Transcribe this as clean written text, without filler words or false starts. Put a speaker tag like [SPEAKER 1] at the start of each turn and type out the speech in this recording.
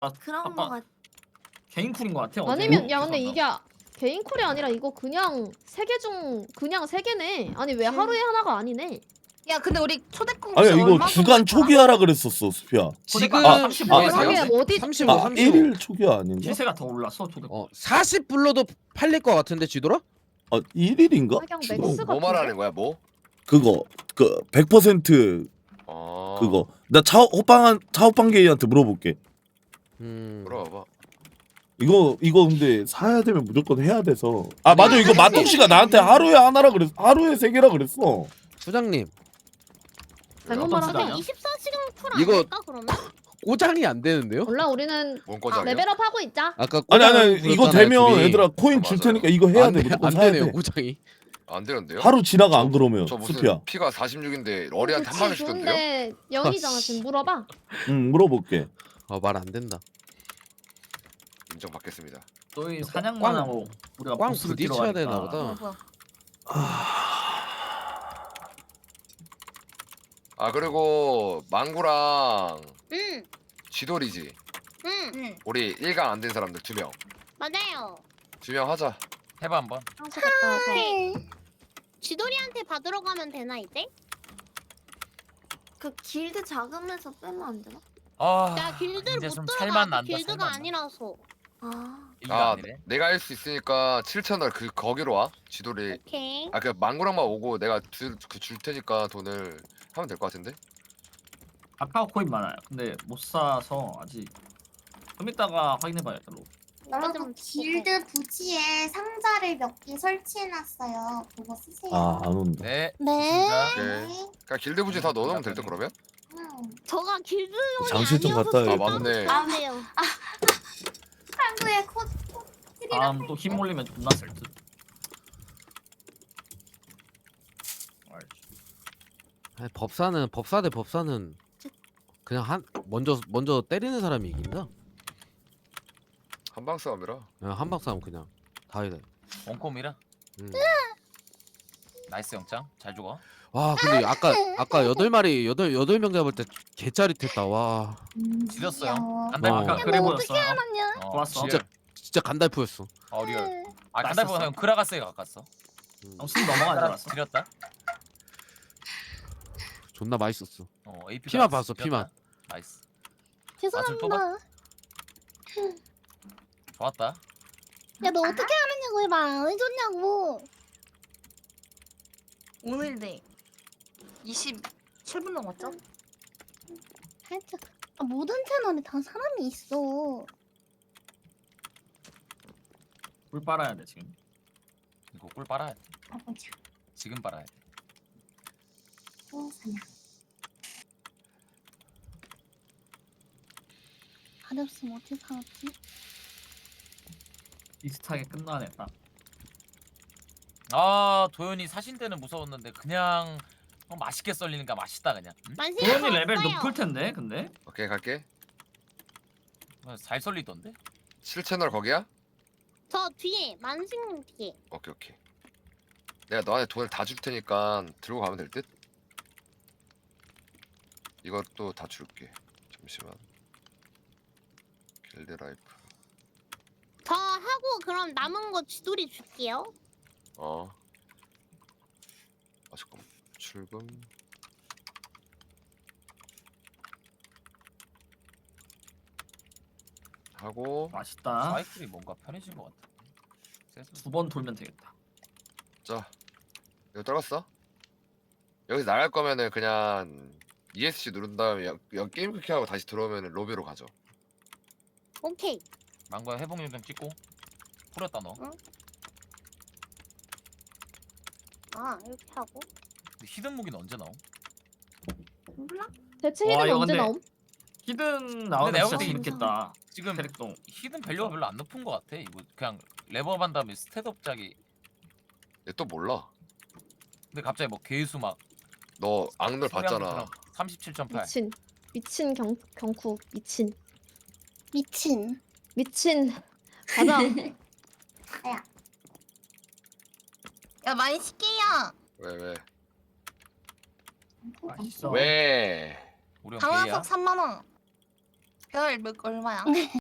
[SPEAKER 1] 그런
[SPEAKER 2] 아까
[SPEAKER 1] 거 같아.
[SPEAKER 2] 개인 쿨인 것 같아.
[SPEAKER 3] 아니면
[SPEAKER 2] 어제.
[SPEAKER 3] 야 근데 이게 개인 콜이 아니라 이거 그냥 3개 중 그냥 3개네. 아니 왜 하루에 하나가 아니네.
[SPEAKER 1] 야 근데 우리 초대권
[SPEAKER 4] 아니야
[SPEAKER 1] 혹시
[SPEAKER 4] 이거
[SPEAKER 1] 얼마
[SPEAKER 4] 주간
[SPEAKER 1] 정도 있더라?
[SPEAKER 4] 초기화라 그랬었어 수피야.
[SPEAKER 5] 지금
[SPEAKER 4] 아,
[SPEAKER 2] 35 에서
[SPEAKER 3] 그러게
[SPEAKER 2] 해야지.
[SPEAKER 3] 어디
[SPEAKER 5] 35,
[SPEAKER 4] 아
[SPEAKER 5] 35.
[SPEAKER 4] 1일 초기화 아닌가?
[SPEAKER 2] 시세가 더 올랐어. 도대.
[SPEAKER 5] 40 불러도 팔릴 것 같은데 지도라?
[SPEAKER 4] 아 1일인가?
[SPEAKER 3] 그냥 맥스
[SPEAKER 6] 뭐
[SPEAKER 3] 같은데?
[SPEAKER 6] 말하는 거야 뭐?
[SPEAKER 4] 그거 그 100% 그거 나 차오빵 게이한테 물어볼게.
[SPEAKER 6] 물어봐봐.
[SPEAKER 4] 이거 근데 사야 되면 무조건 해야 돼서. 아 맞아 이거 마통 씨가 나한테 하루에 하나라 그랬어. 하루에 3개라 그랬어.
[SPEAKER 5] 부장님
[SPEAKER 3] 잘못
[SPEAKER 2] 어떤
[SPEAKER 3] 말하면
[SPEAKER 2] 수단이야?
[SPEAKER 1] 24시간 쿨
[SPEAKER 5] 이거-
[SPEAKER 1] 아닐까 그러면?
[SPEAKER 5] 꼬장이 안 되는데요?
[SPEAKER 3] 몰라 우리는
[SPEAKER 6] 뭔 거장이야?
[SPEAKER 3] 레벨업 하고 있자.
[SPEAKER 5] 아까
[SPEAKER 4] 아니
[SPEAKER 5] 꼬장
[SPEAKER 4] 아니 이거
[SPEAKER 5] 부렸잖아요,
[SPEAKER 4] 되면
[SPEAKER 5] 둘이.
[SPEAKER 4] 얘들아 코인 줄 테니까 이거 해야 돼. 무조건
[SPEAKER 5] 안
[SPEAKER 4] 사야
[SPEAKER 5] 되네요
[SPEAKER 4] 돼.
[SPEAKER 5] 꼬장이.
[SPEAKER 6] 안 되는데요?
[SPEAKER 4] 하루 지나가 안 그러면
[SPEAKER 6] 저 무슨
[SPEAKER 4] 수피야.
[SPEAKER 6] 피가 46인데 어리한테 한 방에 주던데요?
[SPEAKER 3] 좋은데 0이잖아 지금 물어봐.
[SPEAKER 4] 응 물어볼게.
[SPEAKER 5] 말 안 된다.
[SPEAKER 6] 인정받겠습니다.
[SPEAKER 2] 너희 사냥만 하고 우리가
[SPEAKER 5] 꽝
[SPEAKER 2] 보스를 끼러
[SPEAKER 5] 부딪혀야
[SPEAKER 2] 가니까.
[SPEAKER 5] 되나 보다.
[SPEAKER 1] 뭐야?
[SPEAKER 6] 아 그리고 망구랑
[SPEAKER 1] 응,
[SPEAKER 6] 쥐돌이지.
[SPEAKER 1] 응,
[SPEAKER 6] 우리 1강 안 된 사람들 2명.
[SPEAKER 1] 맞아요.
[SPEAKER 6] 2명 하자.
[SPEAKER 7] 해봐 한번.
[SPEAKER 3] 향수 갔다 와서.
[SPEAKER 1] 쥐돌이한테 받으러 가면 되나 이제?
[SPEAKER 8] 그 길드 자금에서 빼면 안 되나?
[SPEAKER 7] 아,
[SPEAKER 1] 나 길드를
[SPEAKER 7] 이제
[SPEAKER 1] 못
[SPEAKER 7] 좀
[SPEAKER 1] 들어가.
[SPEAKER 7] 살만 난다.
[SPEAKER 1] 길드가
[SPEAKER 7] 살만 나.
[SPEAKER 1] 아니라서.
[SPEAKER 8] 아,
[SPEAKER 7] 일가
[SPEAKER 6] 아
[SPEAKER 7] 아니래.
[SPEAKER 6] 내가 할 수 있으니까 7채널 거기로 와. 쥐돌이.
[SPEAKER 1] 오케이.
[SPEAKER 6] 아 그 망구랑만 오고 내가 줄 테니까 돈을 하면 될 것 같은데?
[SPEAKER 2] 카카오 코인 많아요. 근데 못 사서 아직. 좀 이따가 확인해봐야겠다.
[SPEAKER 9] 여러분 길드 부지에 상자를 몇 개 설치해놨어요. 그거 쓰세요.
[SPEAKER 4] 아 안 온다.
[SPEAKER 7] 네.
[SPEAKER 1] 네.
[SPEAKER 7] 진짜.
[SPEAKER 6] 오케이. 그러니까 길드 부지 다 넣어놓으면 될 듯 그러면?
[SPEAKER 1] 저가 길드용이
[SPEAKER 4] 장실 좀
[SPEAKER 1] 아니어서
[SPEAKER 4] 갔다
[SPEAKER 6] 아 맞네.
[SPEAKER 1] 안 돼요.
[SPEAKER 9] 한국의
[SPEAKER 2] 다음 또 힘 몰리면 존나 쓸 듯.
[SPEAKER 5] 아니, 법사 대 법사는 그냥 먼저 때리는 사람이 이긴다.
[SPEAKER 6] 한방 싸움이라.
[SPEAKER 5] 그냥 한방 싸움 그냥 다 이래.
[SPEAKER 7] 원콤이라. 나이스 영장. 잘 죽어.
[SPEAKER 5] 와 근데 아까 8명 잡을 때 개짜릿했다. 와
[SPEAKER 7] 지렸어요.
[SPEAKER 6] 아,
[SPEAKER 7] 간달프.
[SPEAKER 2] 아까
[SPEAKER 5] 어.
[SPEAKER 2] 그래 보였어.
[SPEAKER 7] 좋았어.
[SPEAKER 5] 진짜 간달프였어.
[SPEAKER 7] 리얼. 아 간달프가 형 크라가스에 가깝어.
[SPEAKER 2] 순 넘어간 줄 알았어.
[SPEAKER 7] 지렸다.
[SPEAKER 5] 존나 맛있었어.
[SPEAKER 7] AP.
[SPEAKER 5] 피만 봤어, 피만.
[SPEAKER 7] 나이스.
[SPEAKER 1] 죄송합니다.
[SPEAKER 7] 좋았다.
[SPEAKER 1] 야 너 어떻게 하느냐고 해봐. 왜 줬냐고.
[SPEAKER 8] 오늘 네 27분 넘었죠?
[SPEAKER 1] 살짝. 모든 채널에 다 사람이 있어.
[SPEAKER 2] 물 빨아야 돼 지금.
[SPEAKER 7] 이거 꿀 빨아야 돼.
[SPEAKER 9] 가보자.
[SPEAKER 7] 지금 빨아야 돼.
[SPEAKER 9] 사냥.
[SPEAKER 1] 가렵으면 어떻게 살았지?
[SPEAKER 2] 비슷하게 끝나네 딱.
[SPEAKER 7] 아 도현이 사신 때는 무서웠는데 그냥 맛있게 썰리니까 맛있다 그냥. 응?
[SPEAKER 2] 도현이 레벨 높을 텐데 근데.
[SPEAKER 6] 오케이 갈게.
[SPEAKER 7] 잘 썰리던데.
[SPEAKER 6] 7채널 거기야?
[SPEAKER 1] 저 뒤에 만생 뒤에.
[SPEAKER 6] 오케이. 내가 너한테 돈을 다 줄 테니까 들고 가면 될 듯? 이것도 다 줄게. 잠시만. 길드 라이프.
[SPEAKER 1] 저 하고 그럼 남은 거 쥐돌이 줄게요.
[SPEAKER 6] 아 잠깐만. 출금. 하고
[SPEAKER 2] 맛있다.
[SPEAKER 7] 사이클이 뭔가 편해진 것 같아. 세수.
[SPEAKER 2] 2번 돌면 되겠다.
[SPEAKER 6] 자 이거 떨었어? 여기서 나갈 거면은 그냥 ESC 누른 다음에 게임 크게 하고 다시 들어오면 로비로 가죠.
[SPEAKER 1] 오케이.
[SPEAKER 7] 망고야 회복률 좀 찍고. 풀었다 너.
[SPEAKER 1] 아 이렇게 하고.
[SPEAKER 7] 근데 히든 무기는 언제 나옴?
[SPEAKER 8] 몰라?
[SPEAKER 3] 대체
[SPEAKER 2] 와,
[SPEAKER 3] 힐은
[SPEAKER 2] 이거
[SPEAKER 3] 언제
[SPEAKER 2] 근데
[SPEAKER 3] 나옴?
[SPEAKER 2] 히든 나오면
[SPEAKER 7] 내가
[SPEAKER 2] 진짜
[SPEAKER 7] 볼 때
[SPEAKER 2] 재밌겠다.
[SPEAKER 7] 지금
[SPEAKER 2] 캐릭터.
[SPEAKER 7] 히든 밸류가 별로 안 높은 것 같아. 이거 그냥 레버한 다음에 스탯업 짝이.
[SPEAKER 6] 얘 또 몰라.
[SPEAKER 7] 근데 갑자기 뭐 개수 막.
[SPEAKER 6] 너 악널 봤잖아.
[SPEAKER 7] 37.8.
[SPEAKER 3] 미친 경쿠 미친
[SPEAKER 1] 미친.
[SPEAKER 3] 가자.
[SPEAKER 8] 야 많이 시게요.
[SPEAKER 6] 왜?
[SPEAKER 2] 맛있어.
[SPEAKER 6] 왜?
[SPEAKER 7] 우리 형 개야.
[SPEAKER 8] 강화석 3만 원. 별 몇 얼마야?